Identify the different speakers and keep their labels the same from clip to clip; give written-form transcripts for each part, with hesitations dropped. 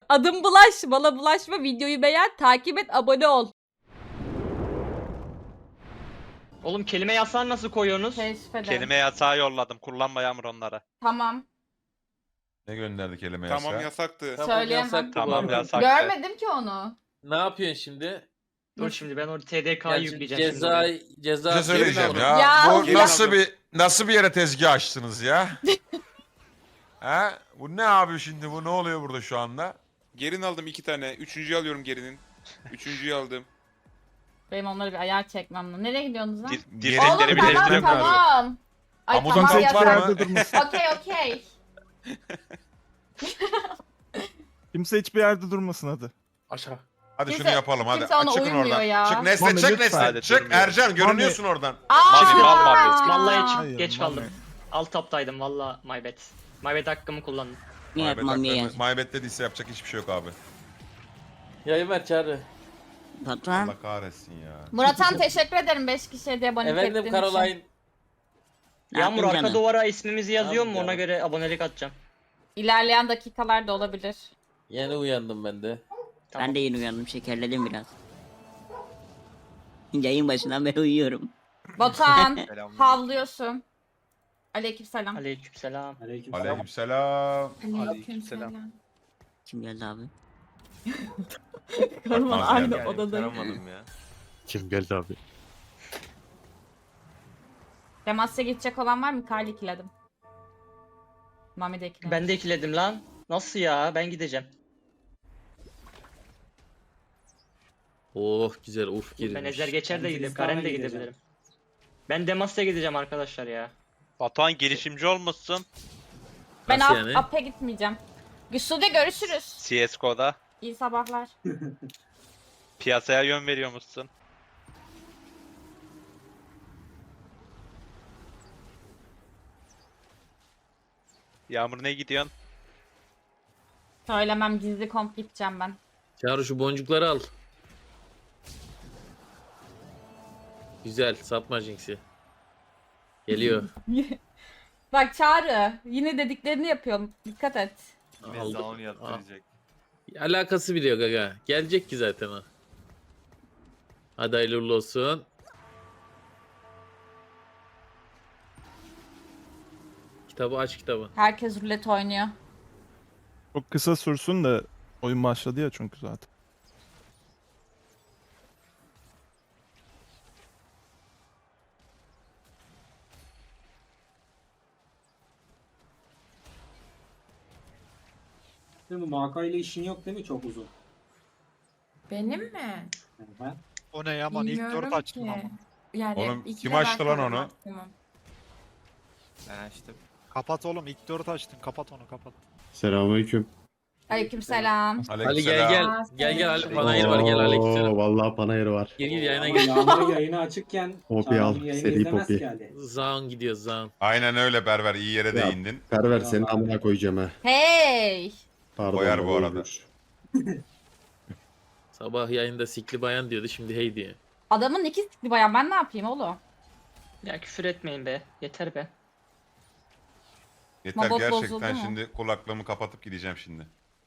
Speaker 1: Adım Bulaş. Bana bulaşma. Videoyu beğen. Takip et. Abone ol.
Speaker 2: Oğlum kelime yasağını nasıl koyuyorsunuz?
Speaker 1: Teşekkür ederim.
Speaker 3: Kelime yasağı yolladım. Kullanma Yağmur onları.
Speaker 1: Tamam.
Speaker 4: Ne gönderdi kelime
Speaker 5: Tamam
Speaker 4: yasağı?
Speaker 5: yasaktı.
Speaker 1: Söyleyemem.
Speaker 6: yasaktı bu
Speaker 3: Tamam
Speaker 6: arada.
Speaker 3: yasak.
Speaker 1: Görmedim ki onu.
Speaker 6: Ne yapıyorsun şimdi?
Speaker 2: Dur şimdi ben orada TDK'yı
Speaker 6: Yani
Speaker 2: yükleyeceğim
Speaker 6: ceza
Speaker 2: şimdi.
Speaker 6: ceza
Speaker 4: Bir şey söyleyeceğim
Speaker 6: Gelin
Speaker 4: ya.
Speaker 1: Ya,
Speaker 4: Bu
Speaker 5: gelin
Speaker 4: nasıl
Speaker 5: aldım.
Speaker 4: nasıl bir yere tezgah açtınız ya? He? Bu ne abi şimdi? Bu ne oluyor burada şu anda?
Speaker 5: Gerin aldım 2 tane. Üçüncüyü alıyorum gerinin. Üçüncüyü aldım.
Speaker 1: Benim onları bir ayar çekmem lazım. Nereye gidiyorsunuz lan?
Speaker 4: Dirsekleri
Speaker 1: Oğlum
Speaker 4: bir
Speaker 1: tamam
Speaker 4: değiştirmek lazım.
Speaker 1: tamam. Ay
Speaker 4: Hamudun
Speaker 1: tamam
Speaker 4: tek var
Speaker 1: yasak.
Speaker 4: mı?
Speaker 1: Okey okey.
Speaker 7: Kimse hiçbir yerde durmasın hadi.
Speaker 6: Aşağı.
Speaker 4: Hadi
Speaker 1: Kimse-
Speaker 4: şunu yapalım hadi.
Speaker 1: kimse ona
Speaker 4: Çıkın
Speaker 1: uymuyor
Speaker 4: oradan.
Speaker 1: ya.
Speaker 4: Çık Nesli
Speaker 7: Mami,
Speaker 4: çık
Speaker 7: lütfen.
Speaker 4: Nesli. Çık
Speaker 3: Durmuyor.
Speaker 4: Ercan görünüyorsun oradan.
Speaker 3: Mami, mal Mami.
Speaker 2: Vallahi
Speaker 7: Hayır,
Speaker 2: geç
Speaker 7: Mami.
Speaker 2: kaldım. Alt taptaydım valla my bad. My bad hakkımı kullandım.
Speaker 8: Niye yapmam niye yaz?
Speaker 4: Maybet dediyse yapacak hiçbir şey yok abi.
Speaker 6: Yayın ver çağrı.
Speaker 8: Patron.
Speaker 4: Allah kahretsin ya.
Speaker 1: Murathan teşekkür ederim 5 kişiye de abonelik ettiğin
Speaker 6: Efendim
Speaker 1: için.
Speaker 6: Caroline.
Speaker 8: Ne
Speaker 2: Yağmur
Speaker 8: yaptın
Speaker 2: arka
Speaker 8: canım?
Speaker 2: duvara ismimizi yazıyor mu
Speaker 6: Tamam
Speaker 2: ona
Speaker 6: canım.
Speaker 2: göre abonelik atacağım.
Speaker 1: İlerleyen dakikalarda olabilir.
Speaker 6: Yeni uyandım ben de.
Speaker 2: Tamam.
Speaker 8: Ben de yeni uyandım, şekerledim biraz. Yayın başından beri uyuyorum.
Speaker 1: Batuhan havlıyorsun. Aleykümselam.
Speaker 2: Aleykümselam.
Speaker 4: Aleykümselam.
Speaker 3: Aleykümselam.
Speaker 8: Kim geldi abi?
Speaker 1: Karıman
Speaker 4: Bakmaz
Speaker 1: aynı
Speaker 4: yani.
Speaker 1: odada.
Speaker 3: ya.
Speaker 7: Kim geldi abi?
Speaker 1: Demasya gidecek olan var mı? Karlı ikiledim. Mami de ikiledim.
Speaker 2: Ben de ikiledim lan. Nasıl ya? Ben gideceğim.
Speaker 6: Oh güzel uf girmiş.
Speaker 2: Ben ezer geçer de gidip Karen de gidebilirim. Ben Demasya gideceğim arkadaşlar ya.
Speaker 3: Batuhan girişimci olmuşsun
Speaker 1: Ben
Speaker 6: Nasıl yani?
Speaker 1: Ap'e gitmeyeceğim. Güçlü'de görüşürüz.
Speaker 3: CSGO'da.
Speaker 1: İyi sabahlar.
Speaker 3: Piyasaya yön veriyormuşsun. Yağmur ne gidiyorsun?
Speaker 1: Söylemem gizli komp gideceğim ben.
Speaker 6: Çağrı şu boncukları al. Güzel satma Jinx'i. Geliyor.
Speaker 1: Bak Çağrı yine dediklerini yapıyorum. Dikkat et.
Speaker 6: Aldım. Alakası bile yok aga. Gelecek ki zaten o. Hadi hayırlı uğurlu olsun. Kitabı aç kitabı.
Speaker 1: Herkes rulet oynuyor.
Speaker 7: Çok kısa sürsün de oyun başladı ya çünkü zaten.
Speaker 9: Değil mi? Maka ile işin yok değil mi çok uzun?
Speaker 10: Benim mi?
Speaker 9: Ben
Speaker 11: O ne Yaman ilk
Speaker 10: Bilmiyorum
Speaker 11: 4 açtın
Speaker 10: ki.
Speaker 11: ama.
Speaker 10: Yani
Speaker 4: Oğlum,
Speaker 10: iki
Speaker 4: kim
Speaker 10: de
Speaker 4: açtı
Speaker 10: ben
Speaker 4: lan
Speaker 10: kalırım
Speaker 4: onu?
Speaker 10: maksimum.
Speaker 11: İşte kapat oğlum ilk 4 açtın kapat onu kapat.
Speaker 12: Selamünaleyküm.
Speaker 1: Aleykümselam.
Speaker 6: Ali gel gel.
Speaker 10: Aa,
Speaker 6: Gel gel Ali
Speaker 10: selam.
Speaker 6: panayır var gel aleykümselam.
Speaker 12: Vallahi panayır var.
Speaker 6: Gir gir yayına
Speaker 9: ama
Speaker 6: gir.
Speaker 9: Yağmur'un yayını açıkken
Speaker 12: Poppy al,
Speaker 9: Çağrı'nın yayını
Speaker 12: seri
Speaker 9: izlemez
Speaker 12: Poppy.
Speaker 9: ki Ali.
Speaker 6: Zaun gidiyor Zaun.
Speaker 4: Aynen öyle Berber iyi yere
Speaker 12: Ya.
Speaker 4: değindin.
Speaker 12: Perver senin amına koyacağım ha.
Speaker 1: Hey.
Speaker 12: Pardon.
Speaker 4: Koyar
Speaker 12: baba,
Speaker 4: bu arada.
Speaker 12: buyur.
Speaker 6: Sabah yayında sikli bayan diyordu şimdi hey diyor.
Speaker 1: Adamın iki sikli bayan ben ne yapayım oğlum?
Speaker 2: Ya küfür etmeyin be. Yeter be.
Speaker 4: Yeter
Speaker 1: Mabot bozuldu
Speaker 4: gerçekten
Speaker 1: mu?
Speaker 4: şimdi kulaklığımı kapatıp gideceğim şimdi.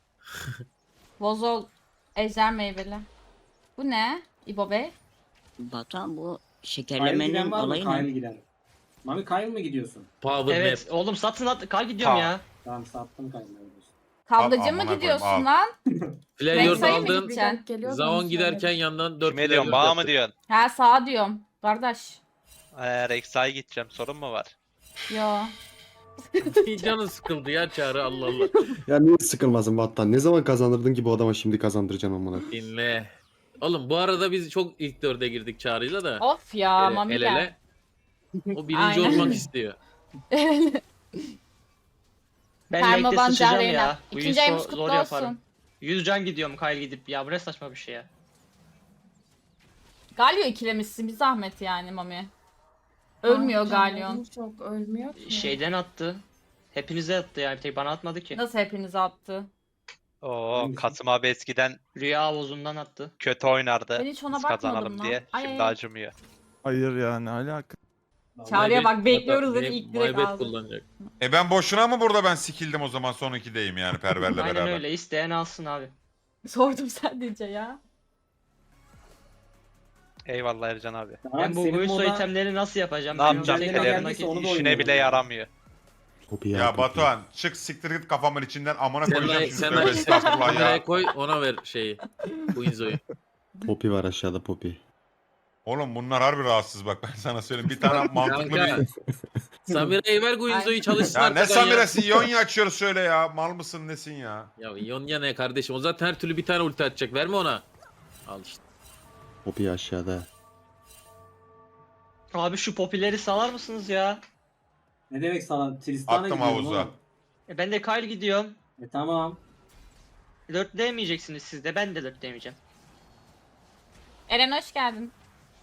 Speaker 1: Bozol ejder meyveli. Bu ne? İbo Bey?
Speaker 8: Batuhan bu
Speaker 9: Kyle
Speaker 8: şekerlemenin
Speaker 9: giden var mı?
Speaker 8: olayı
Speaker 9: Kyle
Speaker 8: ne?
Speaker 9: giden. Mami Kyle mı gidiyorsun?
Speaker 6: Power
Speaker 2: Evet
Speaker 6: map.
Speaker 2: oğlum satın at. Kal gidiyorum
Speaker 3: Tamam.
Speaker 2: ya.
Speaker 9: Tamam sattım Kyle'ı.
Speaker 1: Kavgacı
Speaker 4: Al,
Speaker 1: mı
Speaker 4: amına
Speaker 1: gidiyorsun
Speaker 4: koyayım,
Speaker 1: lan?
Speaker 6: Flayor
Speaker 1: Rexa'yı mı
Speaker 6: aldın.
Speaker 1: gideceksin?
Speaker 10: Geliyor,
Speaker 6: Zaun
Speaker 10: bana
Speaker 6: giderken
Speaker 10: söyledi.
Speaker 6: yandan 4
Speaker 3: Kime diyorsun? Bana mı diyorsun?
Speaker 1: Ha sağa diyorum. Kardeş.
Speaker 3: Rexa'ya gideceğim. Sorun mu var?
Speaker 1: Yo.
Speaker 6: Canı sıkıldı ya Çağrı Allah Allah.
Speaker 12: Ya niye sıkılmasın Vattan? Ne zaman kazandırdın ki bu adama şimdi kazandıracaksın amına?
Speaker 6: Dinle. Oğlum bu arada biz çok ilk 4'e girdik Çağrı'yla da.
Speaker 1: Of ya
Speaker 6: El
Speaker 1: Mami
Speaker 6: ele.
Speaker 1: gel.
Speaker 6: O birinci
Speaker 1: Aynen.
Speaker 6: olmak istiyor.
Speaker 2: Ben
Speaker 1: Perma
Speaker 2: late'de sıçacağım
Speaker 1: Bancarena.
Speaker 2: ya. Bu
Speaker 1: İkinci
Speaker 2: info
Speaker 1: ayımız kutlu
Speaker 2: zor yaparım.
Speaker 1: olsun.
Speaker 2: 100 can gidiyorum Kyle gidip ya. Bu ne saçma bir şey ya.
Speaker 1: Galio ikilemişsin bir zahmet yani Mami. Ölmüyor
Speaker 10: Aa,
Speaker 1: Galio.
Speaker 10: canım çok ölmüyor ki.
Speaker 2: Şeyden attı. Hepinize attı ya. Bir tek bana atmadı ki.
Speaker 1: Nasıl hepinizi attı?
Speaker 3: Oo,
Speaker 9: Hangisi?
Speaker 3: Kasım abi eskiden
Speaker 2: Rüya havuzundan attı.
Speaker 3: kötü oynardı.
Speaker 1: Ben hiç ona
Speaker 3: Biz
Speaker 1: bakmadım
Speaker 3: kazanalım
Speaker 1: lan.
Speaker 3: diye.
Speaker 1: Ay,
Speaker 3: Şimdi
Speaker 1: ay.
Speaker 3: acımıyor.
Speaker 7: Hayır yani alaka.
Speaker 1: Çağrı'ya bak, bekliyoruz dedi,
Speaker 6: Hatta
Speaker 1: ilk direkt
Speaker 6: Maybet
Speaker 1: aldı.
Speaker 6: kullanacak.
Speaker 4: Ben boşuna mı burada ben sikildim o zaman son 2'deyim yani Perver'le
Speaker 2: Aynen
Speaker 4: beraber.
Speaker 2: öyle. İsteyen alsın abi.
Speaker 1: Sordum sadece ya.
Speaker 3: Eyvallah Ercan abi.
Speaker 2: Ben bu
Speaker 9: Senin
Speaker 2: Guiso
Speaker 9: moda-
Speaker 2: itemleri nasıl yapacağım?
Speaker 3: Ne
Speaker 2: Ben
Speaker 3: yapacağım?
Speaker 2: tekrar
Speaker 9: Tekrar
Speaker 3: Ederim.
Speaker 9: geldiyse onu da
Speaker 3: İşine
Speaker 9: oynayalım
Speaker 3: bile
Speaker 9: yani.
Speaker 3: yaramıyor.
Speaker 12: Poppy
Speaker 4: Ya
Speaker 12: Poppy.
Speaker 4: Batuhan çık siktir git kafamın içinden amına koyacağım şimdi
Speaker 6: Sen
Speaker 4: tövbe estağfurullah ya.
Speaker 6: kameraya koy ona ver şeyi. Quinzo'yu.
Speaker 12: Poppy var aşağıda Poppy.
Speaker 4: Oğlum bunlar harbi rahatsız bak ben sana söyleyeyim. Bir tane mantıklı
Speaker 6: Kanka.
Speaker 4: bir...
Speaker 6: Samira'yı ver Quinzo'yu çalışsın
Speaker 4: Ya ne
Speaker 6: arkadan ya.
Speaker 4: Samira'sı Yonya açıyoruz şöyle ya. Mal mısın nesin ya?
Speaker 6: Ya Yonya ne kardeşim? O zaten her türlü bir tane ulti atacak. Verme ona. Al işte.
Speaker 12: Poppy aşağıda.
Speaker 2: Abi şu popileri salar mısınız ya?
Speaker 9: Ne demek sana? Tristan'a
Speaker 4: Attım
Speaker 9: gidiyorum
Speaker 4: havuza.
Speaker 9: oğlum.
Speaker 2: Ben de Kyle gidiyorum.
Speaker 9: Tamam.
Speaker 2: 4 demeyeceksiniz siz de, ben de 4 demeyeceğim.
Speaker 1: Eren hoş geldin.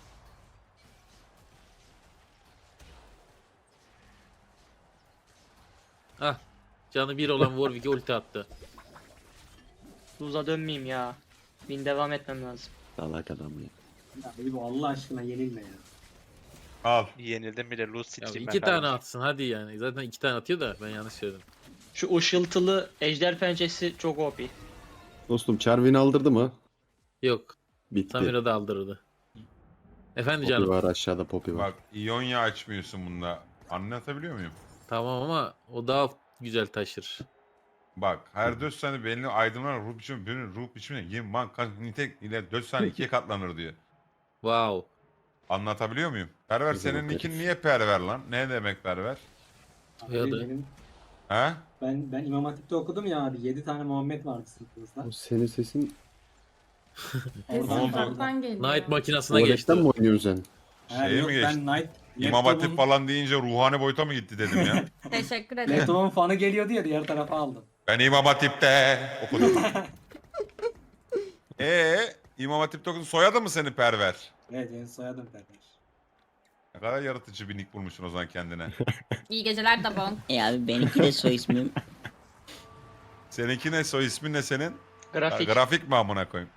Speaker 6: Ah. Canı bir olan Warwick'e ulti attı.
Speaker 2: Luz'a dönmeyeyim ya. Bin devam etmem lazım.
Speaker 12: Salak adam ya.
Speaker 9: Ya bu Allah aşkına yenilme ya.
Speaker 4: Al.
Speaker 3: Yenildim bile lose
Speaker 6: Ya
Speaker 3: sikeyim
Speaker 6: iki
Speaker 3: ben
Speaker 6: tane
Speaker 3: kardeşim.
Speaker 6: atsın hadi yani. Zaten iki tane atıyor da ben yanlış söyledim.
Speaker 2: Şu ışıltılı ejder pençesi çok OP.
Speaker 12: Dostum Charvin aldırdı mı?
Speaker 6: Yok.
Speaker 12: Bitti.
Speaker 6: Samira da aldırdı. Efendi
Speaker 12: Poppy
Speaker 6: canım.
Speaker 12: var aşağıda Poppy var.
Speaker 4: Bak Yonya açmıyorsun bunda. Anlatabiliyor muyum?
Speaker 6: Tamam ama o daha güzel taşır.
Speaker 4: Bak her 4 saniye belli aydınlanan ruh biçimine 20 man nitek ile 4 saniye 2'ye katlanır diyor.
Speaker 6: Wow.
Speaker 4: Anlatabiliyor muyum? Perver
Speaker 12: Güzel
Speaker 4: senin
Speaker 12: bak
Speaker 4: nickin
Speaker 12: herif.
Speaker 4: niye Perver lan? Ne demek Perver?
Speaker 9: Abi
Speaker 6: Ya da-
Speaker 9: benim,
Speaker 4: He?
Speaker 9: ben İmam Hatip'te okudum ya abi. 7 tane Muhammed vardı sınıfımızda.
Speaker 12: O senin sesin
Speaker 10: Sesin
Speaker 4: oldu?
Speaker 10: uzaktan geliyor.
Speaker 6: Night makinasına geçti.
Speaker 12: tuvaletten mi oynuyorsun sen?
Speaker 9: Ha,
Speaker 4: Şeye
Speaker 9: yok,
Speaker 4: mi
Speaker 9: ben
Speaker 4: geçtin?
Speaker 9: Night
Speaker 4: İmam Hatip falan deyince ruhani boyuta mı gitti dedim ya.
Speaker 1: Teşekkür ederim.
Speaker 9: Laptop'un fanı geliyordu ya, diğer tarafa aldım.
Speaker 4: Ben İmam Hatip'te okudum. İmam Hatip'te okudun. Soyadı mı senin Perver?
Speaker 9: Evet, benim soyadım kardeş.
Speaker 4: Ne kadar yaratıcı bir nick bulmuşsun o zaman kendine.
Speaker 1: İyi geceler Dabon.
Speaker 8: Abi benimki de soy ismim.
Speaker 4: Seninki ne? Soy ismin ne senin?
Speaker 2: Grafik.
Speaker 4: Grafik mi amına koyayım?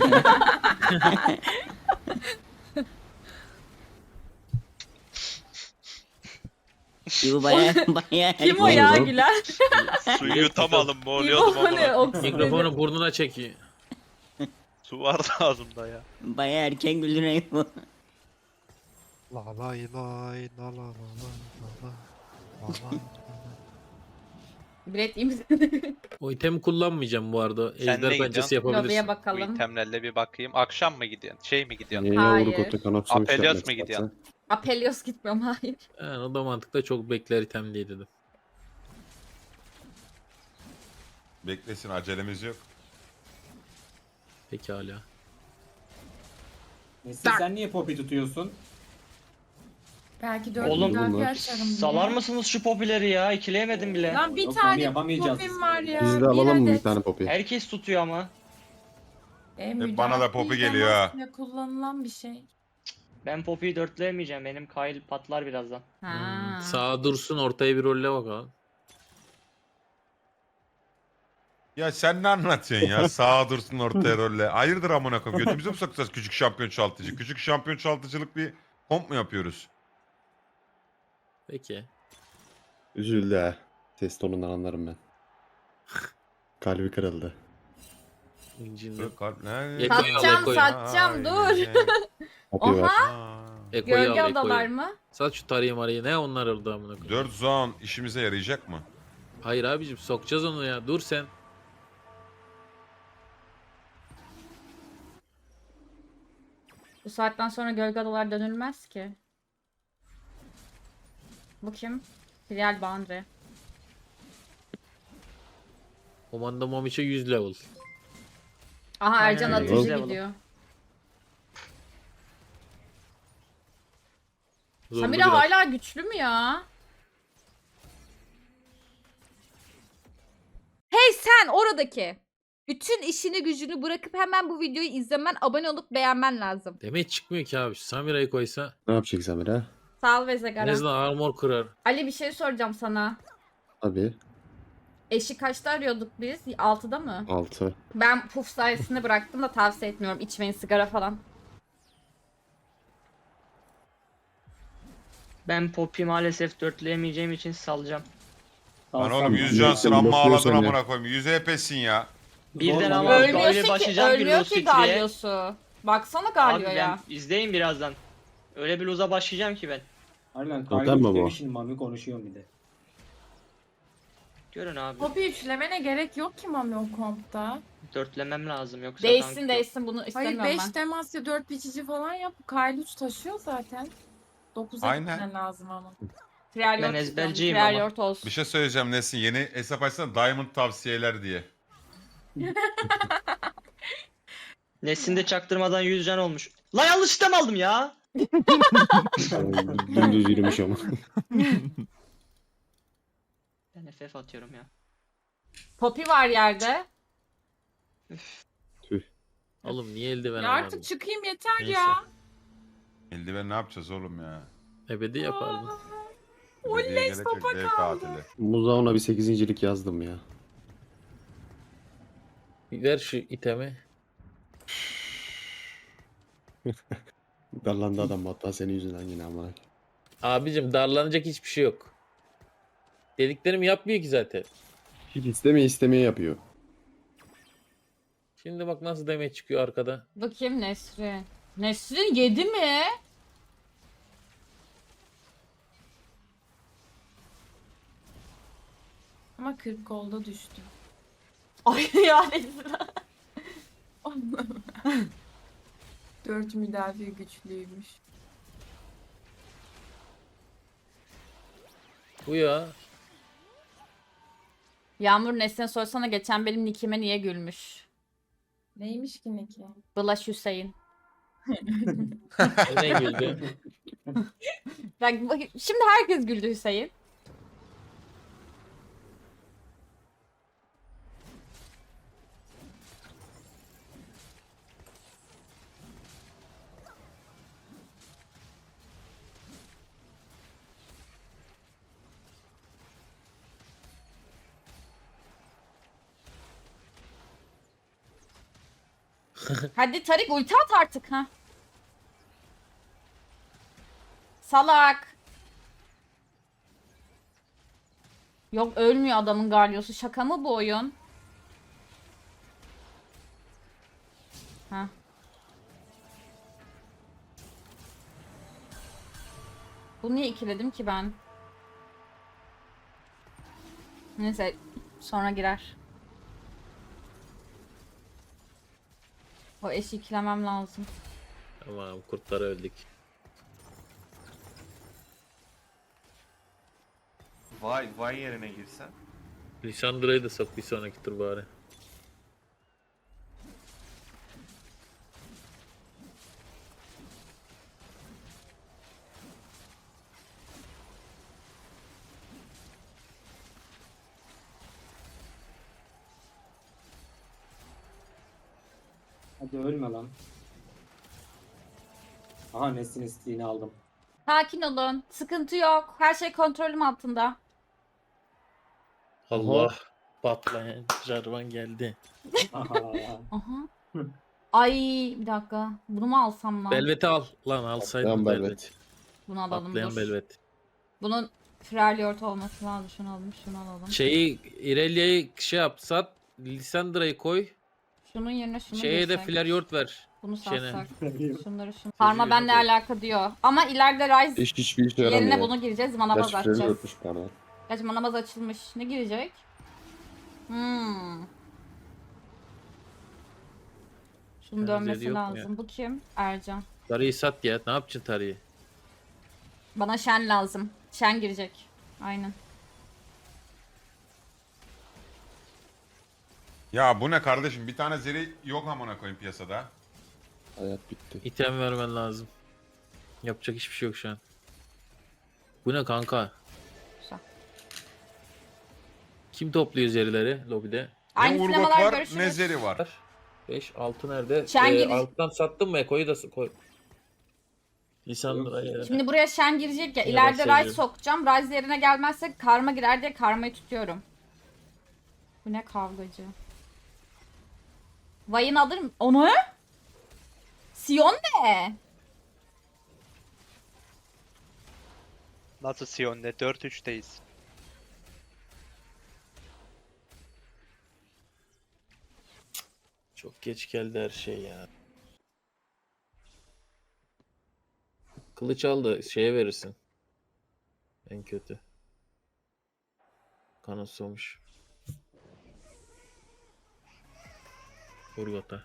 Speaker 8: Bu baya
Speaker 1: Kim o ya Güler?
Speaker 3: Suyu yutamalım mı
Speaker 1: İbo
Speaker 3: oluyordum
Speaker 1: mu ne?
Speaker 3: ama.
Speaker 1: Oksijeni.
Speaker 6: Mikrofonu burnuna çekiyor.
Speaker 3: Su vardı ağzımda ya.
Speaker 8: baya erken güldürüyor bu.
Speaker 11: La lay lay la la la la la la.
Speaker 1: Bilet iyi misin?
Speaker 6: O itemi kullanmayacağım bu arada.
Speaker 3: Sen ne
Speaker 6: Ejder pençesi
Speaker 3: gidiyorsun?
Speaker 6: yapabilirsin.
Speaker 1: Lobiye
Speaker 3: Bu
Speaker 1: bakalım.
Speaker 3: itemlerle bir bakayım. Akşam mı gidiyorsun? Şey mi gidiyorsun?
Speaker 12: Niye
Speaker 1: Hayır.
Speaker 12: yavru kotu kanat sonuç
Speaker 3: Apelios
Speaker 12: yapmak
Speaker 3: mu gidiyorsun?
Speaker 12: istersen?
Speaker 1: Apelios gitmiyorum, hayır.
Speaker 6: Yani o da mantıkta çok bekler item diye dedim.
Speaker 4: Beklesin acelemiz yok.
Speaker 6: Pekala.
Speaker 9: Nesin, sen niye Poppy tutuyorsun?
Speaker 10: Belki 4
Speaker 2: Oğlum,
Speaker 10: müdafaa açarım diye.
Speaker 2: Salar mısınız şu popileri ya? İkileyemedim bile.
Speaker 10: Lan bir
Speaker 9: Yok, onu
Speaker 10: tane
Speaker 9: yapamayacağız
Speaker 10: popim
Speaker 9: biz.
Speaker 10: var ya.
Speaker 12: Biz de alalım mı bir
Speaker 10: adet.
Speaker 12: tane Poppy?
Speaker 2: Herkes tutuyor ama.
Speaker 10: Müdafaa
Speaker 4: bana da popi geliyor ha.
Speaker 10: temasıyla kullanılan bir şey.
Speaker 2: Ben Poppy'yi dörtleyemeyeceğim. Benim Kyle patlar birazdan.
Speaker 1: Ha.
Speaker 6: Sağa dursun ortaya bir rolle bakalım.
Speaker 4: Ya sen ne anlatıyorsun ya? Sağa dursun ortaya rolle. Hayırdır amına koyayım? Götümüze mi sokacağız küçük şampiyon çoğaltıcı? Küçük şampiyon çoğaltıcılık bir komp mu yapıyoruz?
Speaker 6: Peki.
Speaker 12: Üzüldü ha. Ses tonundan anlarım ben. Kalbi kırıldı.
Speaker 6: İncil'de.
Speaker 1: Satacağım,
Speaker 6: Eko'yu.
Speaker 1: satacağım, dur.
Speaker 12: Poppy var.
Speaker 6: Eko'yu
Speaker 1: Gölge
Speaker 6: al
Speaker 1: odalar
Speaker 6: Eko'yu.
Speaker 1: mı?
Speaker 6: Sat şu tarayı marayı. Ne onlar orada amına koyayım.
Speaker 4: 4 zone işimize yarayacak mı?
Speaker 6: Hayır abicim sokacağız onu ya. Dur sen.
Speaker 1: Bu saatten sonra gölge odalar dönülmez ki. Bu kim? Filial Boundary.
Speaker 6: Komanda Momiç'e 100 level.
Speaker 1: Aha Ercan
Speaker 2: Aynen,
Speaker 1: atıcı
Speaker 2: güzel
Speaker 1: gidiyor.
Speaker 6: Zorlu
Speaker 1: Samira
Speaker 6: biraz.
Speaker 1: hala güçlü mü ya? Hey sen oradaki. Bütün işini gücünü bırakıp hemen bu videoyu izlemen, abone olup beğenmen lazım.
Speaker 6: Demek çıkmıyor ki abi. Samira'yı koysa.
Speaker 12: Ne yapacak Samira?
Speaker 1: Sağ ol
Speaker 6: En
Speaker 1: Vezegara.
Speaker 6: azından armor kırar.
Speaker 1: Ali bir şey soracağım sana.
Speaker 12: Abi
Speaker 1: Eşi kaçta arıyorduk biz? 6'da mı?
Speaker 12: 6.
Speaker 1: Ben puf sayesinde bıraktım da tavsiye etmiyorum. İçmeyin sigara falan.
Speaker 2: Ben Poppy maalesef dörtleyemeyeceğim için salacağım.
Speaker 4: Lan
Speaker 9: Sal,
Speaker 4: oğlum
Speaker 9: sal.
Speaker 4: 100 cansın
Speaker 12: Yok,
Speaker 4: amma
Speaker 12: yok,
Speaker 4: ağladın
Speaker 12: yok,
Speaker 4: amına koyayım. 100 HP'sin ya.
Speaker 2: Birden
Speaker 9: Zor
Speaker 2: ama
Speaker 9: lan.
Speaker 2: öyle
Speaker 1: Ölmüyorsun ki,
Speaker 2: başlayacağım bir
Speaker 1: ölmüyor ki
Speaker 2: Lucity'ye.
Speaker 1: Galio'su. Baksana
Speaker 2: Abi
Speaker 1: Galio'ya.
Speaker 2: ben izleyin birazdan. Öyle bir lose'a başlayacağım ki ben.
Speaker 9: Aynen
Speaker 12: Totem
Speaker 9: kaydı
Speaker 12: mi bu?
Speaker 9: üstlemişim Mami konuşuyorum bir de.
Speaker 2: Görün abi.
Speaker 10: Hobi üçlemene gerek yok ki Mami o kompta.
Speaker 2: Dörtlemem lazım yoksa
Speaker 1: Değişsin
Speaker 2: tank
Speaker 1: değişsin bunu
Speaker 10: Hayır
Speaker 1: istemiyorum
Speaker 10: 5
Speaker 1: ben.
Speaker 10: temas 4 biçici falan yap. Kyle 3 taşıyor zaten. 9'a
Speaker 4: Aynen.
Speaker 10: gitmen lazım ama.
Speaker 1: Freljord
Speaker 2: Ben
Speaker 1: istiyorum.
Speaker 2: ezberciyim ama.
Speaker 1: Freljord olsun.
Speaker 4: Bir şey söyleyeceğim Nesin. Yeni hesap açsana Diamond tavsiyeler diye.
Speaker 2: Nesin de çaktırmadan 100 can olmuş. La yanlışlıkla mı aldım ya?
Speaker 12: Dümdüz yürümüş ama.
Speaker 2: Ben FF atıyorum ya.
Speaker 1: Poppy var yerde.
Speaker 6: Oğlum niye eldiven
Speaker 10: Ya
Speaker 6: almadın?
Speaker 10: artık çıkayım yeter
Speaker 6: Neyse.
Speaker 10: ya.
Speaker 4: Eldiven ne yapacağız oğlum ya?
Speaker 6: Ebedi yapardım.
Speaker 10: Oley,
Speaker 4: Belediye gelecek,
Speaker 10: sopa
Speaker 4: dev
Speaker 10: kaldı.
Speaker 4: katili.
Speaker 12: Muza ona bir 8.lik yazdım ya.
Speaker 6: Ver şu itemi.
Speaker 12: Darlandı adam hatta senin yüzünden yine amına.
Speaker 6: Abicim darlanacak hiçbir şey yok. Dediklerimi yapmıyor ki zaten.
Speaker 12: Hiç istemeye yapıyor.
Speaker 6: Şimdi bak nasıl demeye çıkıyor arkada.
Speaker 1: Bakayım Nesrin. Nesrin yedi mi?
Speaker 10: Ama 40 golda düştü.
Speaker 1: Ay ya Nesrin.
Speaker 10: 4 müdafi güçlüymüş.
Speaker 6: Bu ya.
Speaker 1: Yağmur Nesrin'e sorsana geçen benim nickime niye gülmüş?
Speaker 10: Neymiş ki ne ki?
Speaker 1: Bulaş Hüseyin.
Speaker 6: Ne güldü.
Speaker 1: Şimdi herkes güldü Hüseyin. Hadi Tarik ulti at artık ha. Salak. Yok ölmüyor adamın Galio'su. Şaka mı bu oyun? Ha. Bunu niye ikiledim ki ben? Neyse sonra girer. O eşi ikilemem lazım.
Speaker 6: Tamam kurtları öldük.
Speaker 11: Vay yerine girsen.
Speaker 6: Lisandra'yı da sok bir sonraki tur bari.
Speaker 9: Hadi ölme lan. Aha Nesin isteğini aldım.
Speaker 1: Sakin olun. Sıkıntı yok. Her şey kontrolüm altında.
Speaker 6: Allah. Patlayan Jarvan geldi.
Speaker 9: Aha.
Speaker 1: Aha. Ay bir dakika. Bunu mu alsam lan?
Speaker 6: Belvet'i al. Lan alsaydın
Speaker 12: Tamam
Speaker 6: Belvet.
Speaker 12: Belvet.
Speaker 1: Bunu alalım
Speaker 6: Patlayan
Speaker 1: dur.
Speaker 6: Belvet.
Speaker 1: Bunun Freljord olması lazım. Şunu alalım, şunu alalım.
Speaker 6: Şeyi İrelia'yı şey yap sat. Lisandra'yı koy.
Speaker 1: Şunun yerine şunu
Speaker 6: Şeye de
Speaker 1: girsek.
Speaker 6: Flaryord ver.
Speaker 1: Bunu
Speaker 6: Şene.
Speaker 1: satsak. Şunları şunu. Karma benle
Speaker 6: yok.
Speaker 1: alaka diyor. Ama ileride Ryze
Speaker 12: Hiçbir işe yaramıyor.
Speaker 1: yerine bunu gireceğiz. Manabaz
Speaker 12: Gerçi freni
Speaker 1: açacağız.
Speaker 12: öpmüş pardon.
Speaker 1: Gerçi manabaz açılmış. Ne girecek? Şunun
Speaker 6: Benzeri
Speaker 1: dönmesi
Speaker 6: yok mu
Speaker 1: lazım.
Speaker 6: ya?
Speaker 1: Bu kim? Ercan.
Speaker 6: Tarıyı sat ya. Ne yapacaksın Tarıyı?
Speaker 1: Bana Shen lazım. Shen girecek. Aynen.
Speaker 4: Ya bu ne kardeşim? Bir tane zeri yok amına koyayım piyasada.
Speaker 12: Hayat bitti.
Speaker 6: İtem vermen lazım. Yapacak hiçbir şey yok şu an. Bu ne kanka?
Speaker 1: Güzel.
Speaker 6: Kim topluyor zerileri lobide?
Speaker 4: Ne
Speaker 1: Aynı
Speaker 4: Urgot
Speaker 1: sinemalar
Speaker 4: var
Speaker 1: görüşürüz.
Speaker 4: ne zeri var.
Speaker 6: 5 6 nerede?
Speaker 1: Şen giriş-
Speaker 6: Alttan sattın mı Eko'yu da koy. Lisandra'yı.
Speaker 1: Şimdi buraya Shen girecek ya.
Speaker 6: Ya
Speaker 1: İleride
Speaker 6: ben
Speaker 1: Ryze
Speaker 6: seviyorum.
Speaker 1: sokacağım. Ryze yerine gelmezse karma girer diye karmayı tutuyorum. Bu ne kavgacı. Vayne alır mı? Onu? Sion ne?
Speaker 3: Nasıl Sion'le? 4-3'teyiz.
Speaker 6: Çok geç geldi her şey ya. Kılıç al da şeye verirsin. En kötü. Kanos olmuş. Urgot'a.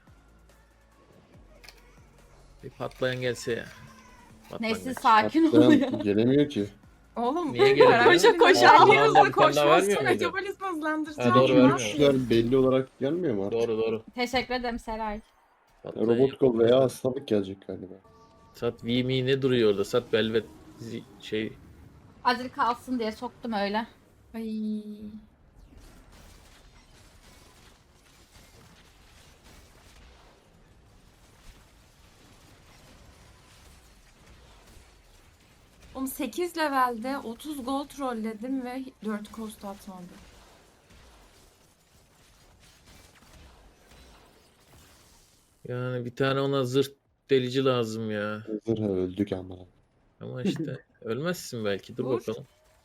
Speaker 6: Bir patlayan gelse ya. Patlayan
Speaker 1: Neyse
Speaker 6: gelse.
Speaker 1: sakin ol ya.
Speaker 12: Gelemiyor ki.
Speaker 10: Oğlum
Speaker 6: Niye gelemiyor?
Speaker 10: koşa koşa
Speaker 6: Aa,
Speaker 10: alıyoruz
Speaker 6: bir
Speaker 10: da
Speaker 6: tane daha vermiyor
Speaker 10: koşmazsa
Speaker 6: muydu?
Speaker 10: metabolizma hızlandıracağım.
Speaker 6: Ha, doğru,
Speaker 10: Ne
Speaker 6: vermiyor.
Speaker 10: yapayım?
Speaker 12: Güçler belli olarak gelmiyor mu artık?
Speaker 6: Doğru doğru.
Speaker 1: Teşekkür ederim Seray.
Speaker 6: Patlayan
Speaker 12: Robot kol
Speaker 6: yok.
Speaker 12: veya hastalık gelecek galiba.
Speaker 6: Sat VM'i ne duruyor orada? Sat Velvet şey.
Speaker 1: Azir kalsın diye soktum öyle.
Speaker 10: Ay. Oğlum 8 levelde 30 gold trolledim ve 4 cost atmadı.
Speaker 6: Yani bir tane ona zırh delici lazım ya.
Speaker 12: Zırha öldük ama.
Speaker 6: Ama işte ölmezsin belki. Dur
Speaker 10: Dur.
Speaker 6: bakalım.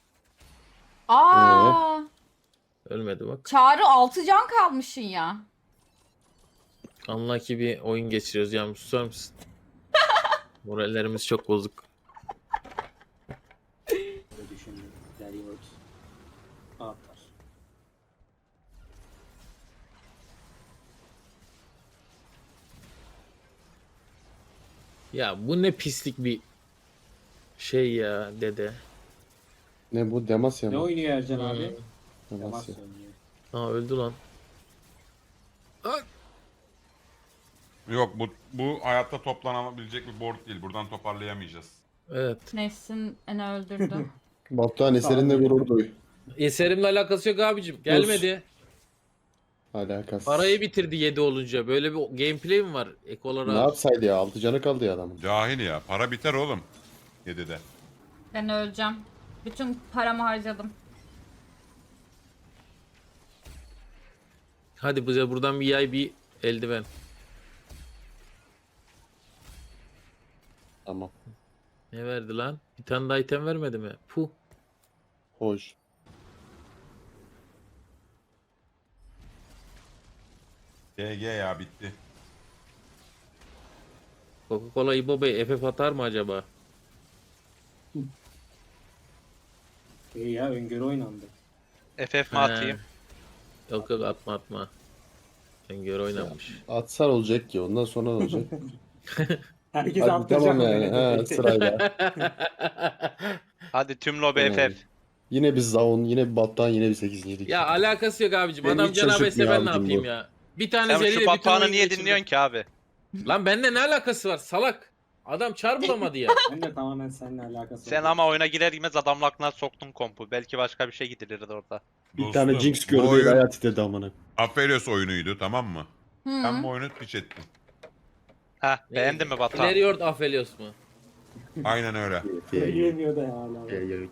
Speaker 1: Aa,
Speaker 6: Ölmedi bak.
Speaker 1: Çağrı 6 can kalmışsın ya.
Speaker 6: Unlucky bir oyun geçiriyoruz. Yağmur susar mısın? Morallerimiz çok bozuk.
Speaker 9: Böyle düşündüm. Deriyoruz. Atar.
Speaker 6: Ya bu ne pislik bir şey ya dede.
Speaker 12: Ne bu? Demasya
Speaker 9: Ne
Speaker 12: mı?
Speaker 9: oynuyor Ercan abi?
Speaker 12: Demasya.
Speaker 9: Demasya oynuyor.
Speaker 6: Aa öldü lan.
Speaker 4: Yok bu hayatta toplanabilecek bir board değil. Buradan toparlayamayacağız.
Speaker 6: Evet.
Speaker 1: Nefsin beni öldürdü.
Speaker 12: Batuhan eserinle gurur duy.
Speaker 6: Eserimle alakası yok abicim. Gelmedi.
Speaker 12: Alakası.
Speaker 6: Parayı bitirdi 7 olunca. Böyle bir gameplay mi var? Ek
Speaker 12: Ne
Speaker 6: olarak.
Speaker 12: yapsaydı ya? 6 canı kaldı ya adamın.
Speaker 4: Cahil ya. Para biter oğlum. 7'de.
Speaker 1: Ben öleceğim. Bütün paramı harcadım.
Speaker 6: Hadi bize buradan bir yay bir eldiven.
Speaker 12: Tamam.
Speaker 6: Ne verdi lan? Bir tane daha item vermedi mi? Puh.
Speaker 12: Hoş.
Speaker 4: GG ya bitti.
Speaker 6: Coca-Cola İbo Bey FF atar mı acaba?
Speaker 9: İyi ya öngörü oynandı.
Speaker 3: FF mi atayım?
Speaker 6: Yok yok atma atma. Sen gör oynanmış.
Speaker 12: Atsan olacak ki ondan sonra ne olacak?
Speaker 9: Herkes
Speaker 12: Hadi
Speaker 9: atlayacak
Speaker 12: tamam
Speaker 9: mı
Speaker 12: yani.
Speaker 9: böyle?
Speaker 12: Ha, sırayla.
Speaker 3: Hadi tüm lobi
Speaker 12: Yani.
Speaker 3: FF.
Speaker 12: Yine bir Zaun, yine bir Batuhan, yine bir 8. yedik.
Speaker 6: Ya alakası yok abicim.
Speaker 12: Beni
Speaker 6: Adam
Speaker 12: hiç
Speaker 6: cenab-ı
Speaker 12: şaşırtmıyor
Speaker 6: ben ne
Speaker 12: abicim
Speaker 6: yapayım
Speaker 12: bu.
Speaker 6: ya? Bir tane
Speaker 3: Sen
Speaker 6: zeliyle
Speaker 3: şu
Speaker 6: bütün
Speaker 3: Batuhan'ı
Speaker 6: oyun
Speaker 3: niye
Speaker 6: geçirdi.
Speaker 3: dinliyorsun ki abi?
Speaker 6: Lan bende ne alakası var salak? Adam çar bulamadı ya.
Speaker 9: Ben de tamamen seninle alakası
Speaker 3: Sen
Speaker 9: var.
Speaker 3: ama oyuna girer girmez adamın aklına soktun kompu. Belki başka bir şey gidilirdi orada.
Speaker 12: Bir tane
Speaker 4: Dostum,
Speaker 12: Jinx
Speaker 4: bu
Speaker 12: gördü
Speaker 4: oyun
Speaker 12: hayat titredi amına.
Speaker 4: Aphelios oyunuydu, tamam mı?
Speaker 1: Hı.
Speaker 4: Sen bu oyunu piç ettin.
Speaker 3: Heh beğendin mi Batuhan?
Speaker 6: Ileriord Aphelios mu?
Speaker 4: Aynen öyle.
Speaker 9: Söyleyemiyor da ya hala.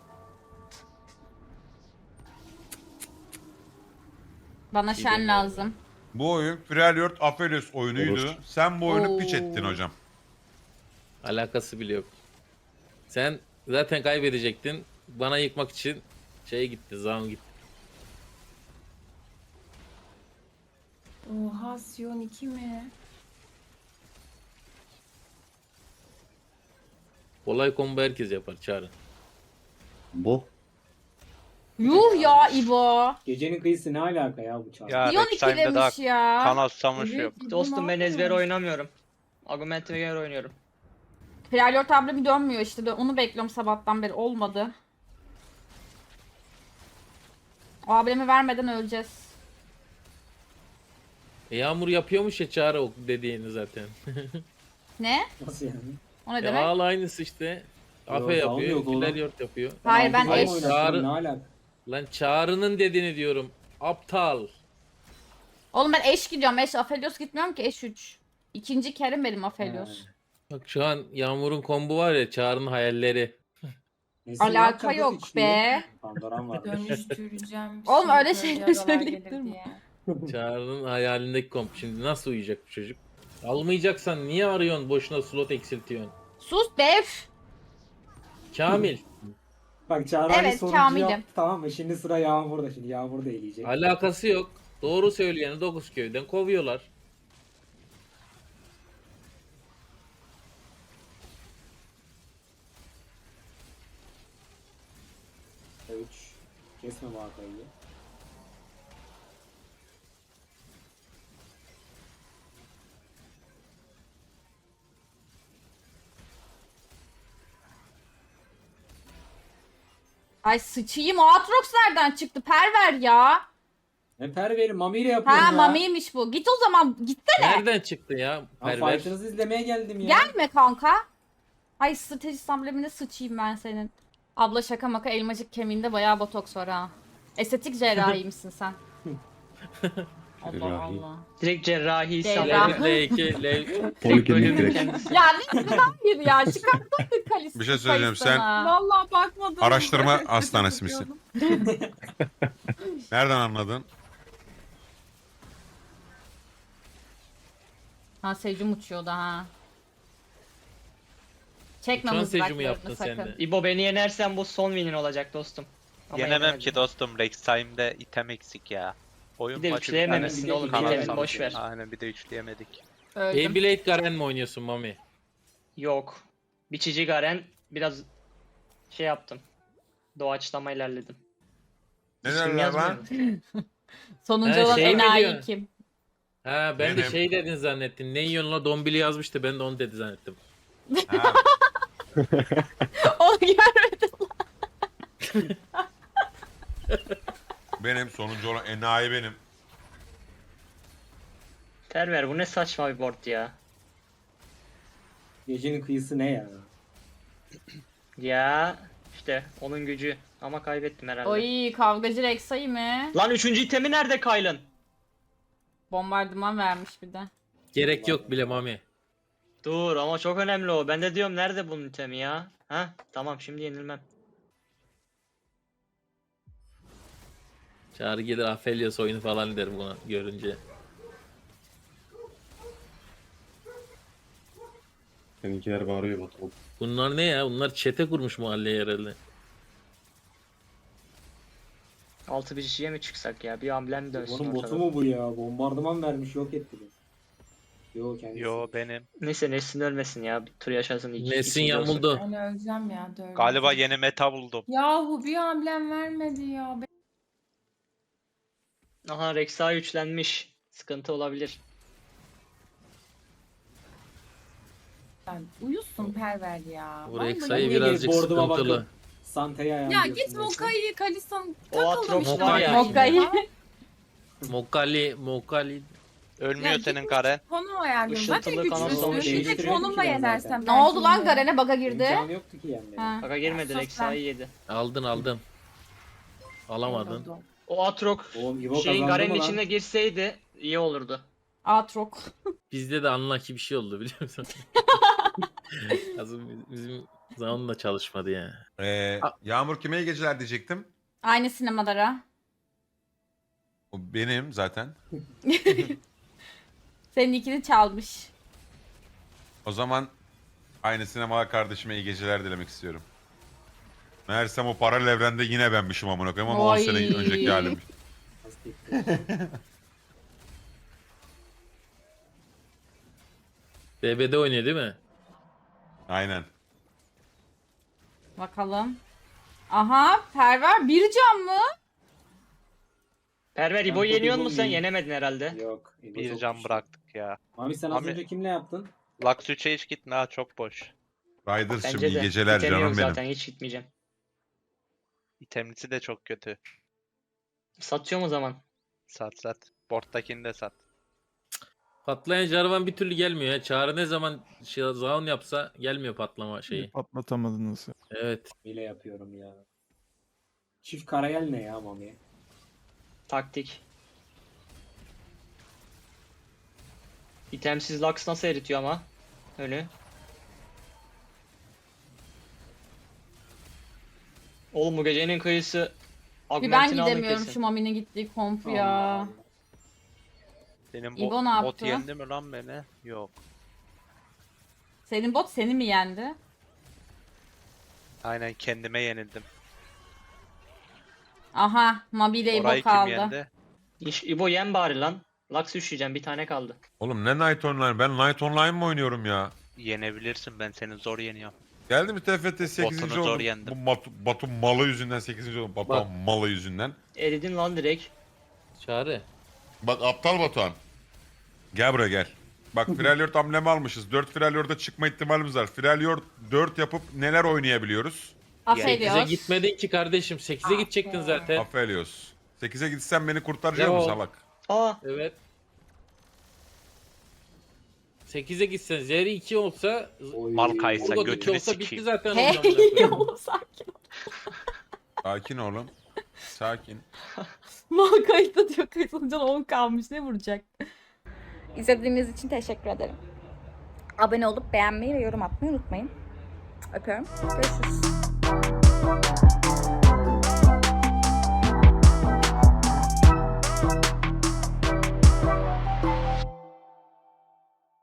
Speaker 1: Bana şen lazım.
Speaker 4: Bu oyun Freljord Aphelios oyunuydu.
Speaker 12: Olur.
Speaker 4: Sen bu oyunu piç
Speaker 1: Oo.
Speaker 4: ettin hocam.
Speaker 6: Alakası bile yok. Sen zaten kaybedecektin. Bana yıkmak için şeye gitti, Zaun gitti.
Speaker 10: Oha Sion 2 mi?
Speaker 6: Kolay combo herkes yapar çağrı.
Speaker 12: Bu.
Speaker 1: Yuh ya İbo.
Speaker 9: Gecenin kıyısı ne alaka ya bu çağrı?
Speaker 3: Ya
Speaker 1: Dion
Speaker 3: Rek'Time'de daha
Speaker 1: 2'demiş ya.
Speaker 3: kanal susamış
Speaker 10: Evet,
Speaker 3: yok.
Speaker 10: İbo
Speaker 2: Dostum ben
Speaker 10: ne
Speaker 2: ezber
Speaker 10: yapıyor?
Speaker 2: oynamıyorum. Argumentime göre oynuyorum.
Speaker 1: Freljord abla bir dönmüyor işte. Onu bekliyorum sabahtan beri. Olmadı. O ablemi vermeden öleceğiz.
Speaker 6: Yağmur yapıyormuş ya çağrı o dediğini zaten.
Speaker 1: Ne?
Speaker 9: Nasıl yani?
Speaker 1: O ne
Speaker 6: Ya
Speaker 1: demek?
Speaker 6: al aynısı işte.
Speaker 9: Yo,
Speaker 6: Afe
Speaker 9: Zaun
Speaker 6: yapıyor,
Speaker 9: yok oğlum.
Speaker 6: Ileriord yapıyor.
Speaker 1: Hayır, ben
Speaker 9: Hayır,
Speaker 1: eş-
Speaker 9: oynattım,
Speaker 6: Çağrı-
Speaker 9: Ne alaka?
Speaker 6: Lan çağrının dediğini diyorum. Aptal.
Speaker 1: Oğlum ben eş gidiyorum. Eş Aphelios gitmiyorum ki. Eş 3. İkinci kerim benim Aphelios.
Speaker 6: Bak şu an Yağmur'un kombu var ya çağrının hayalleri.
Speaker 9: Neyse, ne
Speaker 1: Alaka
Speaker 9: yapacağız
Speaker 1: yok
Speaker 9: içinde?
Speaker 1: be.
Speaker 9: Pandoran var.
Speaker 10: Dönüştüreceğim.
Speaker 1: Oğlum
Speaker 10: şey,
Speaker 1: öyle
Speaker 10: böyle
Speaker 1: şeyler
Speaker 10: yaralar
Speaker 1: söyleyip
Speaker 10: gelir
Speaker 1: durma.
Speaker 10: diye.
Speaker 6: Çağrının hayalindeki komp. Şimdi nasıl uyuyacak bu çocuk? Almayacaksan niye arıyorsun boşuna slot eksiltiyorsun?
Speaker 1: Sus dev.
Speaker 6: Kamil.
Speaker 9: Bak Çağrı Ali
Speaker 1: Evet,
Speaker 9: sonuncu
Speaker 1: Kamil'im.
Speaker 9: yaptı, tamam mı? Şimdi sıra Yağmur'da. Şimdi Yağmur da eleyecek.
Speaker 6: Alakası yok. Doğru söyleyeni 9 köyden kovuyorlar.
Speaker 9: Üç. Kesme vakayı.
Speaker 1: Ay sıçayım, o Aatrox nereden çıktı? Perver ya.
Speaker 9: Ne perveri? Mami ile yapıyorum
Speaker 1: Ha
Speaker 9: ya.
Speaker 1: Mami'ymiş bu. Git o zaman, gitsene.
Speaker 6: Nereden çıktı ya?
Speaker 9: Ben
Speaker 6: Perver.
Speaker 9: fight'ınızı izlemeye geldim ya.
Speaker 1: Gelme kanka. Ay stratejist amblemine sıçayım ben senin. Abla şaka maka, elmacık kemiğinde bayağı botoks var ha. Estetik cerrahiymişsin sen. Allah
Speaker 12: Cerrahi.
Speaker 1: Allah.
Speaker 2: Direkt cerrahi
Speaker 1: Cerrah.
Speaker 2: sanırım.
Speaker 6: L2, L...
Speaker 12: Poliklinik
Speaker 2: Bölümün
Speaker 12: direkt.
Speaker 2: kendisi.
Speaker 1: Ya ne hayır ya, çıkartmadın kalisi.
Speaker 4: Bir şey söyleyeceğim, sen-
Speaker 10: Vallahi bakmadım.
Speaker 4: Araştırma
Speaker 10: bile.
Speaker 4: hastanesi misin? Nereden anladın?
Speaker 1: Ha Secum uçuyordu ha. Çekme
Speaker 6: Uçan Secum'u
Speaker 1: mızraklarını
Speaker 6: yaptın
Speaker 1: sakın.
Speaker 6: sen de.
Speaker 2: İbo beni yenersen bu son winin olacak dostum. Ama
Speaker 3: Yenemem
Speaker 2: yenemedim.
Speaker 3: ki dostum. Rex Time'de item eksik ya. Oyun
Speaker 2: Bir de
Speaker 3: başı
Speaker 2: üçleyememişsin
Speaker 9: bir tane
Speaker 2: oğlum.
Speaker 9: bir de
Speaker 2: Bitemin
Speaker 9: item
Speaker 2: boş ver.
Speaker 3: Aynen bir de üçleyemedik.
Speaker 1: Öldüm.
Speaker 6: Beyblade Garen mi oynuyorsun Mami?
Speaker 2: Yok. Biçici Garen biraz şey yaptım. Doğaçlama ilerledim.
Speaker 4: Ne
Speaker 2: İsmim
Speaker 4: derler lan?
Speaker 2: yazmıyor.
Speaker 1: Sonuncu
Speaker 6: Ha,
Speaker 1: olan
Speaker 6: şey mi
Speaker 1: enayi
Speaker 6: diyorsun?
Speaker 1: kim?
Speaker 6: Ha ben de
Speaker 4: Benim.
Speaker 6: şey dedin zannettim. Ne yiyorsun la dombili yazmıştı ben de onu dedi zannettim.
Speaker 4: Ha,
Speaker 1: Onu görmedim.
Speaker 4: benim sonuncu olan enayi benim.
Speaker 2: Perver bu ne saçma bir board ya.
Speaker 9: Gecenin kıyısı ne ya?
Speaker 2: Ya işte onun gücü. Ama kaybettim herhalde.
Speaker 1: Oy, kavgacı Rexa'yı mı?
Speaker 2: Lan 3. itemi nerede Kaylın?
Speaker 1: Bombardıman vermiş bir de.
Speaker 6: Gerek yok bile Mami.
Speaker 2: Dur ama çok önemli o. Ben de diyorum nerede bunun itemi ya? Ha? Tamam şimdi yenilmem.
Speaker 6: Çağrı gelir Aphelios oyunu falan der buna görünce.
Speaker 12: Seninkiler bağırıyor Batu.
Speaker 6: Bunlar ne ya? Bunlar çete kurmuş mahalleye herhalde.
Speaker 2: 6 bir kişiye mi çıksak ya? Bir amblem dönsün
Speaker 9: Onun botu
Speaker 2: ortada.
Speaker 9: mu bu ya? Bombardıman vermiş, yok etti bu. Yo kendisi.
Speaker 3: Yo benim.
Speaker 2: Neyse Nesin ölmesin ya. Bir tur yaşasın.
Speaker 6: Nesin
Speaker 2: ikinci olsun.
Speaker 6: yamuldu.
Speaker 10: Ben öleceğim ya. Döveceğim.
Speaker 3: Galiba yeni meta buldum.
Speaker 10: Yahu bir amblem vermedi ya.
Speaker 2: Aha Rek'Sai üçlenmiş. Sıkıntı olabilir.
Speaker 10: Ben uyusun perver ya.
Speaker 6: Bu
Speaker 10: Vallahi.
Speaker 6: Rexa'yı
Speaker 9: niye
Speaker 6: birazcık
Speaker 9: gelip board'uma
Speaker 6: sıkıntılı.
Speaker 9: bakın? Santa'ya
Speaker 10: Ya
Speaker 9: ayarlıyorsun
Speaker 10: git
Speaker 9: neyse.
Speaker 10: Mokai'yi Kalisa'nın
Speaker 2: O
Speaker 10: takıldım
Speaker 2: Atrox
Speaker 10: işte.
Speaker 2: var ya.
Speaker 1: Mokai'yi.
Speaker 6: Mokali.
Speaker 3: Ölmüyor
Speaker 10: Ya
Speaker 3: senin
Speaker 10: gitmiş
Speaker 3: Garen.
Speaker 10: Konum ayarlıyorum. Zaten
Speaker 2: Işıltılı kanal sonu
Speaker 10: güçlüsün. Bir de
Speaker 9: değiştiriyor
Speaker 10: konumla
Speaker 9: ki ben
Speaker 10: yenersem.
Speaker 9: zaten.
Speaker 1: Ne oldu lan
Speaker 10: belki
Speaker 1: Garen'e baga girdi?
Speaker 9: İmkanı yoktu ki yani.
Speaker 1: Ha.
Speaker 2: Baka girmedi
Speaker 10: Sus
Speaker 2: Rek'Sai yedi.
Speaker 6: Aldın. Alamadın.
Speaker 10: Oldu.
Speaker 2: O Atrox
Speaker 9: Oğlum İbo
Speaker 2: şeyin
Speaker 9: kazandı
Speaker 2: Garen'in
Speaker 9: mı lan?
Speaker 2: içine girseydi iyi olurdu.
Speaker 1: Aatrok.
Speaker 6: Bizde de unlucky bir şey oldu biliyor musun? bizim zamanla çalışmadı ya.
Speaker 4: Yağmur kime iyi geceler diyecektim.
Speaker 1: Aynı sinemalara.
Speaker 4: O benim zaten.
Speaker 1: Senin ikini çalmış.
Speaker 4: O zaman aynı sinema kardeşime iyi geceler dilemek istiyorum. Meğersem o paralel evrende yine benmişim amına koyayım ama 10
Speaker 1: Oy.
Speaker 4: sene önceki halim.
Speaker 6: BB'de oynuyor değil mi?
Speaker 4: Aynen.
Speaker 1: Bakalım. Aha, Perver bir can mı?
Speaker 2: Perver
Speaker 9: Ben
Speaker 2: İbo'yu yeniyor
Speaker 9: İbo'yu
Speaker 2: musun sen?
Speaker 9: yiyeyim.
Speaker 2: Yenemedin herhalde.
Speaker 9: Yok. İbo
Speaker 3: Bir
Speaker 9: çok
Speaker 3: can
Speaker 9: güçlü.
Speaker 3: bıraktık ya.
Speaker 9: Mami sen az
Speaker 3: Mami-
Speaker 9: önce kimle yaptın?
Speaker 3: Lux 3'e hiç gitme ha çok boş.
Speaker 4: Riders'cığım
Speaker 2: Bence
Speaker 4: iyi
Speaker 2: de.
Speaker 4: geceler
Speaker 2: İtemi yok
Speaker 4: canım benim.
Speaker 2: zaten hiç gitmeyeceğim.
Speaker 3: İtemlisi de çok kötü.
Speaker 2: Satıyorum o zaman.
Speaker 3: Sat. Board'takini de sat.
Speaker 6: Patlayan Jarvan bir türlü gelmiyor ya. Çağrı ne zaman zaun yapsa gelmiyor patlama şeyi.
Speaker 7: Patlatamadınız.
Speaker 6: Evet.
Speaker 9: Bile yapıyorum ya. Çift karayel ne ya Mami?
Speaker 2: Taktik. İtemsiz Lux nasıl eritiyor ama? Önü. Oğlum bu gecenin kıyısı
Speaker 1: Bir ben
Speaker 2: Augmentin aldı
Speaker 1: gidemiyorum
Speaker 2: kesin.
Speaker 1: şu Mami'nin gittiği kompu ya.
Speaker 9: Allah Allah.
Speaker 3: Senin
Speaker 1: İbo ne
Speaker 3: bot
Speaker 1: yaptı?
Speaker 3: yendi mi lan beni? Yok.
Speaker 1: Senin bot seni mi yendi?
Speaker 3: Aynen kendime yenildim.
Speaker 1: Aha, Mabi ile
Speaker 3: Orayı
Speaker 1: İbo
Speaker 3: kim
Speaker 1: kaldı.
Speaker 3: yendi?
Speaker 2: İbo yem bari lan. Lux üşüyeceğim, bir tane kaldı.
Speaker 4: Oğlum ne Night Online? Ben Night Online mı oynuyorum ya?
Speaker 3: Yenebilirsin, ben seni zor yeniyorum.
Speaker 4: Geldi mi TFT 8.
Speaker 3: Botunu zor
Speaker 4: oldum.
Speaker 3: yendim.
Speaker 4: Bu Batu malı yüzünden 8. oldum. Batu
Speaker 6: Bak.
Speaker 4: malı yüzünden.
Speaker 2: Eridin lan direkt.
Speaker 6: Çağrı.
Speaker 4: Bak aptal Batuhan. Gel buraya gel. Bak Freljord amblemi almışız. 4 Freljord'a çıkma ihtimalimiz var. Freljord 4 yapıp neler oynayabiliyoruz?
Speaker 1: Aphelios.
Speaker 6: 8'e gitmedin ki kardeşim. 8'e gidecektin zaten.
Speaker 4: Aphelios. 8'e gitsen beni kurtaracak
Speaker 6: Yo.
Speaker 4: mısın salak?
Speaker 2: Aa,
Speaker 6: Evet. 8'e gitsen Zeri 2 olsa
Speaker 3: Mal kaysa
Speaker 6: Urgot 2
Speaker 3: götünü
Speaker 6: olsa bitti
Speaker 3: sikeyim.
Speaker 6: zaten.
Speaker 1: Hey
Speaker 6: ondan sonra.
Speaker 1: oğlum sakin ol.
Speaker 4: Sakin oğlum. Sakin.
Speaker 1: Mal kayıtta diyor, kayıtlanınca 10 kalmış, ne vuracak? İzlediğiniz için teşekkür ederim. Abone olup beğenmeyi ve yorum atmayı unutmayın. Öpüyorum. Görüşürüz.